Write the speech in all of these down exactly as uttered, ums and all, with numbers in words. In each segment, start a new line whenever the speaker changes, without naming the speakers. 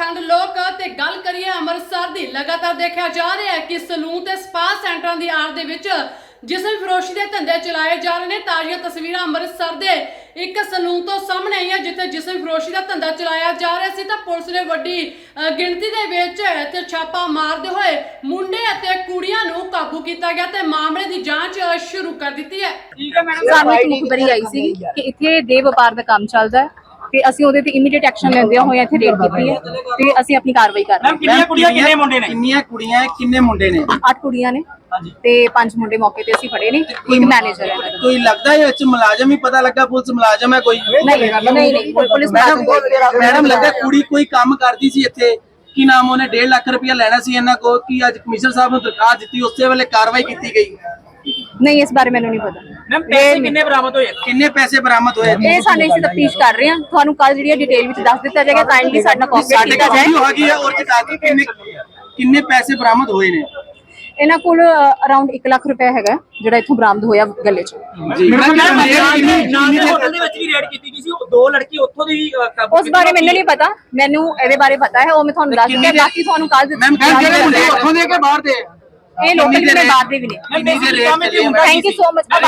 अखंड लोक ते गल करिए अमृतसर दी लगातार देखा जा रहा है कि सलून ते स्पा सेंटरां दी आड़ दे विच जिसम फरोशी के धंधे चलाए जा रहे हैं। ताज़ा तस्वीर अमृतसर के एक सलून तो सामने आई है जिथे जिसम फरोशी का धंधा चलाया जा रहा सी तो पुलिस ने वड्डी गिणती दे विच ते छापा मारते हुए मुंडे अते कुड़ियां नूं काबू किया गया ते मामले की जांच शुरू कर दी है।
ਸਾਨੂੰ ਇੱਕ ਮੁਖਬਰੀ ਆਈ ਸੀ ਕਿ ਇੱਥੇ ਦੇਹ ਵਪਾਰ ਦਾ ਕੰਮ ਚੱਲਦਾ ਹੈ ਤੇ ਅਸੀਂ ਉਹਦੇ ਤੇ ਇਮੀਡੀਏਟ ਐਕਸ਼ਨ ਲੈਂਦੇ ਹੋਏ ਇੱਥੇ ਰੇਡ ਕੀਤੀ ਹੈ ਤੇ ਅਸੀਂ ਆਪਣੀ ਕਾਰਵਾਈ ਕਰ ਰਹੇ ਹਾਂ।
ਕਿੰਨੀਆਂ ਕੁੜੀਆਂ ਕਿੰਨੇ ਮੁੰਡੇ ਨੇ? ਕਿੰਨੀਆਂ ਕੁੜੀਆਂ ਕਿੰਨੇ ਮੁੰਡੇ ਨੇ?
ਅੱਠ ਕੁੜੀਆਂ ਨੇ ਤੇ ਪੰਜ ਮੁੰਡੇ ਮੌਕੇ ਤੇ ਅਸੀਂ ਫੜੇ ਨੇ। ਇੱਕ ਮੈਨੇਜਰ ਹੈ।
ਕੋਈ ਲੱਗਦਾ ਹੈ ਵਿੱਚ ਮੁਲਾਜ਼ਮ ਹੀ ਪਤਾ ਲੱਗਾ ਪੁਲਿਸ ਮੁਲਾਜ਼ਮ ਹੈ ਕੋਈ?
ਨਹੀਂ ਨਹੀਂ ਨਹੀਂ ਪੁਲਿਸ
ਮੈਡਮ ਲੱਗਾ ਕੁੜੀ ਕੋਈ ਕੰਮ ਕਰਦੀ ਸੀ ਇੱਥੇ ਕੀ ਨਾਮ ਉਹਨੇ ਡੇਢ ਲੱਖ ਰੁਪਇਆ ਲੈਣਾ ਸੀ ਇਹਨਾਂ ਕੋਲ ਕਿ ਅੱਜ ਕਮਿਸ਼ਨਰ ਸਾਹਿਬ ਨੂੰ ਦਰਖਾਸਤ ਦਿੱਤੀ ਉਸੇ ਵੇਲੇ ਕਾਰਵਾਈ ਕੀਤੀ ਗਈ?
ਨਹੀਂ ਇਸ ਬਾਰੇ ਮੈਨੂੰ ਨਹੀਂ ਪਤਾ।
ਮੈਮ ਪੈਸੇ ਕਿੰਨੇ ਬਰਾਮਦ ਹੋਏ? ਕਿੰਨੇ ਪੈਸੇ ਬਰਾਮਦ ਹੋਏ?
ਇਹ ਸਾਡੇ ਅਸੀਂ ਤਫਤੀਸ਼ ਕਰ ਰਹੇ ਹਾਂ। ਤੁਹਾਨੂੰ ਕੱਲ ਜਿਹੜੀ ਡਿਟੇਲ ਵਿੱਚ ਦੱਸ ਦਿੱਤਾ ਜਾਏਗਾ। ਕਾਈਂਡਲੀ ਸਾਡਾ ਕੋਆਪਰੇਟ ਕੀਤਾ ਜਾਏ।
ਹੋ ਗਈ ਹੈ ਔਰ ਕਿਤਾਬੀ ਕਿੰਨੇ ਕਿੰਨੇ ਪੈਸੇ ਬਰਾਮਦ ਹੋਏ ਨੇ?
ਇਹਨਾਂ ਕੋਲ ਅਰਾਊਂਡ ਇੱਕ ਲੱਖ ਰੁਪਏ ਹੈਗਾ ਜਿਹੜਾ ਇੱਥੋਂ ਬਰਾਮਦ ਹੋਇਆ ਗੱਲੇ 'ਚ।
ਜੀ ਹੋਟਲ ਦੇ ਵਿੱਚ ਵੀ ਰੇਡ ਕੀਤੀ ਗਈ ਸੀ, ਦੋ ਲੜਕੀ ਉੱਥੋਂ ਦੀ ਕਾਬੂ।
ਉਸ ਬਾਰੇ ਮੈਨੂੰ ਨਹੀਂ ਪਤਾ। ਮੈਨੂੰ ਇਹਦੇ ਬਾਰੇ ਪਤਾ ਹੈ, ਉਹ ਮੈਂ ਤੁਹਾਨੂੰ ਦੱਸ ਦਿੰਦਾ। ਬਾਕੀ ਤੁਹਾਨੂੰ ਕੱਲ ਦਿੱਤਾ।
ਮੈਮ ਜਿਹੜੇ ਮੁੰਡੇ ਉੱਥੋਂ ਦੇ ਕੇ ਬਾਹਰ ਦੇ
ਇਹ ਲੋਕਲ ਦੇ ਬਾਹਰ ਦੇ ਵੀ ਨੇ। Thank you so much.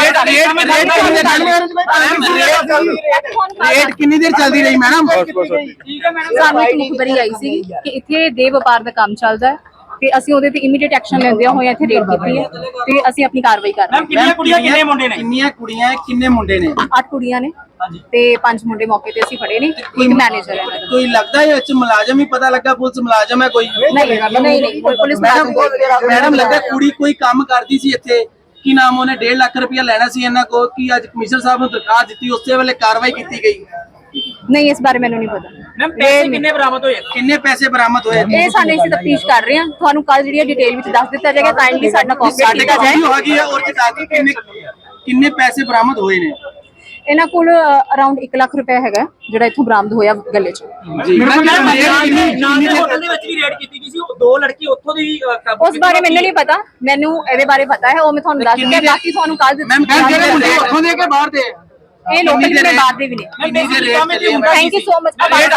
Raid ਕਿੰਨੀ ਦੇਰ ਚੱਲਦੀ ਰਹੀ ਮੈਡਮ?
ਸਾਨੂੰ ਇੱਕ ਮੁਖਬਰੀ ਆਈ ਸੀ ਕਿ ਇੱਥੇ ਦੇਹ ਵਪਾਰ ਦਾ ਕੰਮ ਚੱਲਦਾ ਹੈ ਤੇ ਅਸੀਂ ਉਹਦੇ ਤੇ ਇਮੀਡੀਏਟ ਐਕਸ਼ਨ ਲੈਂਦੇ ਹੋਏ ਇੱਥੇ ਰੇਡ ਕੀਤੀ ਹੈ ਤੇ ਅਸੀਂ ਆਪਣੀ ਕਾਰਵਾਈ ਕਰ ਰਹੇ ਹਾਂ।
ਕਿੰਨੀਆਂ ਕੁੜੀਆਂ ਕਿੰਨੇ ਮੁੰਡੇ ਨੇ? ਕਿੰਨੀਆਂ ਕੁੜੀਆਂ ਕਿੰਨੇ ਮੁੰਡੇ ਨੇ?
ਅੱਠ ਕੁੜੀਆਂ ਨੇ ਤੇ ਪੰਜ ਮੁੰਡੇ ਮੌਕੇ ਤੇ ਅਸੀਂ ਫੜੇ ਨੇ। ਇੱਕ ਮੈਨੇਜਰ ਹੈ।
ਕੋਈ ਲੱਗਦਾ ਹੈ ਵਿੱਚ ਮੁਲਾਜ਼ਮ ਹੀ ਪਤਾ ਲੱਗਾ ਪੁਲਿਸ ਮੁਲਾਜ਼ਮ ਹੈ ਕੋਈ?
ਨਹੀਂ ਨਹੀਂ ਨਹੀਂ ਪੁਲਿਸ
ਮੈਡਮ ਲੱਗਾ ਕੁੜੀ ਕੋਈ ਕੰਮ ਕਰਦੀ ਸੀ ਇੱਥੇ ਕੀ ਨਾਮ ਉਹਨੇ ਡੇਢ ਲੱਖ ਰੁਪਇਆ ਲੈਣਾ ਸੀ ਇਹਨਾਂ ਕੋਲ ਕਿ ਅੱਜ ਕਮਿਸ਼ਨਰ ਸਾਹਿਬ ਨੂੰ ਦਰਖਾਸਤ ਦਿੱਤੀ ਉਸੇ ਵੇਲੇ ਕਾਰਵਾਈ ਕੀਤੀ ਗਈ?
ਨਹੀਂ ਇਸ ਬਾਰੇ ਮੈਨੂੰ ਨਹੀਂ ਪਤਾ।
ਮੈਮ ਪੈਸੇ ਕਿੰਨੇ ਬਰਾਮਦ ਹੋਏ? ਕਿੰਨੇ ਪੈਸੇ ਬਰਾਮਦ ਹੋਏ?
ਇਹ ਸਾਡੇ ਅਸੀਂ ਤਫਤੀਸ਼ ਕਰ ਰਹੇ ਹਾਂ। ਤੁਹਾਨੂੰ ਕੱਲ ਜਿਹੜੀ ਡਿਟੇਲ ਵਿੱਚ ਦੱਸ ਦਿੱਤਾ ਜਾਏਗਾ। ਕਾਈਂਡਲੀ ਸਾਡਾ ਕੋਆਪਰੇਟ ਕੀਤਾ ਜਾਏ।
ਹੋ ਗਈ ਹੈ ਔਰ ਕਿਤਾਬੀ ਕਿੰਨੇ ਕਿੰਨੇ ਪੈਸੇ ਬਰਾਮਦ ਹੋਏ ਨੇ?
ਇਹਨਾਂ ਕੋਲ ਅਰਾਊਂਡ ਇੱਕ ਲੱਖ ਰੁਪਏ ਹੈਗਾ ਜਿਹੜਾ ਇੱਥੋਂ ਬਰਾਮਦ ਹੋਇਆ ਗੱਲੇ 'ਚ।
ਜੀ ਹੋਟਲ ਦੇ ਵਿੱਚ ਵੀ ਰੇਡ ਕੀਤੀ ਗਈ ਸੀ, ਦੋ ਲੜਕੀ ਉੱਥੋਂ ਦੀ ਕਾਬੂ।
ਉਸ ਬਾਰੇ ਮੈਨੂੰ ਨਹੀਂ ਪਤਾ। ਮੈਨੂੰ ਇਹਦੇ ਬਾਰੇ ਪਤਾ ਹੈ, ਉਹ ਮੈਂ ਤੁਹਾਨੂੰ ਦੱਸ ਦਿੰਦਾ। ਬਾਕੀ ਤੁਹਾਨੂੰ ਕੱਲ ਦਿੱਤਾ।
ਮੈਮ ਜਿਹੜੇ ਮੁੰਡੇ ਉੱਥੋਂ ਦੇ ਕੇ ਬਾਹਰ ਦੇ
ਇਹ ਲੋਕਲ ਦੇ ਬਾਹਰ ਦੇ ਵੀ ਨੇ। Thank you so much.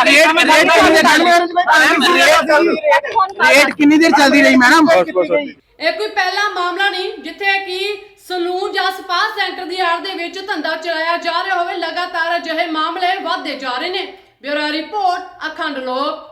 Raid ਕਿੰਨੀ ਦੇਰ ਚੱਲਦੀ ਰਹੀ ਮੈਡਮ?
ਇਹ ਕੋਈ ਪਹਿਲਾ ਮਾਮਲਾ ਨਹੀਂ ਜਿੱਥੇ ਕਿ ਸਲੂਨ ਜਾਂ ਸਪਾ ਸੈਂਟਰ ਦੀ ਆੜ ਦੇ ਵਿੱਚ ਧੰਦਾ ਚਲਾਇਆ ਜਾ ਰਿਹਾ ਹੋਵੇ। ਲਗਾਤਾਰ ਅਜਿਹੇ ਮਾਮਲੇ ਵਧਦੇ ਜਾ ਰਹੇ ਨੇ। ਬਿਊਰੋ ਰਿਪੋਰਟ ਅਖੰਡ ਲੋਕ।